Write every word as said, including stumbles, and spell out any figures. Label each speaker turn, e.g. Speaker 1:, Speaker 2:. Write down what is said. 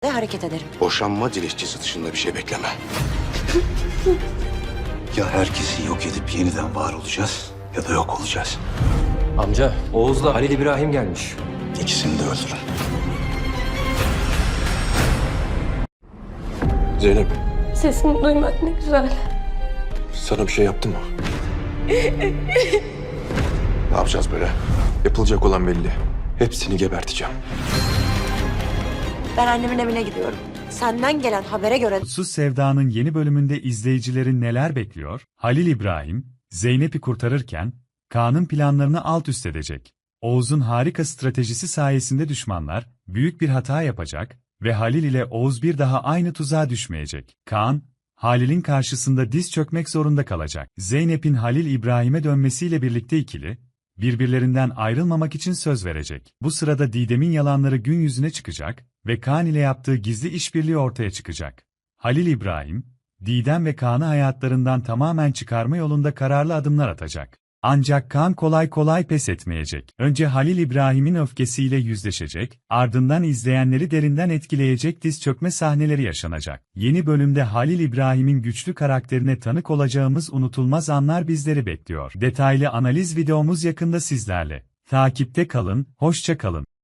Speaker 1: ve hareket ederim.
Speaker 2: Boşanma dilekçesi dışında bir şey bekleme.
Speaker 3: Ya herkesi yok edip yeniden var olacağız ya da yok olacağız.
Speaker 4: Amca, Oğuz'la Halil İbrahim gelmiş.
Speaker 3: İkisini de öldürün.
Speaker 5: Zeynep,
Speaker 6: Sesini duymak ne güzel.
Speaker 5: sana bir şey yaptı mı?
Speaker 2: Ne yapacağız böyle?
Speaker 5: Yapılacak olan belli. Hepsini geberteceğim.
Speaker 1: Ben annemin evine gidiyorum. Senden gelen habere göre
Speaker 7: Mutsuz Sevda'nın yeni bölümünde izleyicilerin neler bekliyor? Halil İbrahim, Zeynep'i kurtarırken, Kaan'ın planlarını alt üst edecek. Oğuz'un harika stratejisi sayesinde düşmanlar, büyük bir hata yapacak ve Halil ile Oğuz bir daha aynı tuzağa düşmeyecek. Kaan, Halil'in karşısında diz çökmek zorunda kalacak. Zeynep'in Halil İbrahim'e dönmesiyle birlikte ikili, birbirlerinden ayrılmamak için söz verecek. Bu sırada Didem'in yalanları gün yüzüne çıkacak ve Kaan ile yaptığı gizli işbirliği ortaya çıkacak. Halil İbrahim, Didem ve Kaan'ı hayatlarından tamamen çıkarma yolunda kararlı adımlar atacak. Ancak Kaan kolay kolay pes etmeyecek. Önce Halil İbrahim'in öfkesiyle yüzleşecek, ardından izleyenleri derinden etkileyecek diz çökme sahneleri yaşanacak. Yeni bölümde Halil İbrahim'in güçlü karakterine tanık olacağımız unutulmaz anlar bizleri bekliyor. Detaylı analiz videomuz yakında sizlerle. Takipte kalın, hoşça kalın.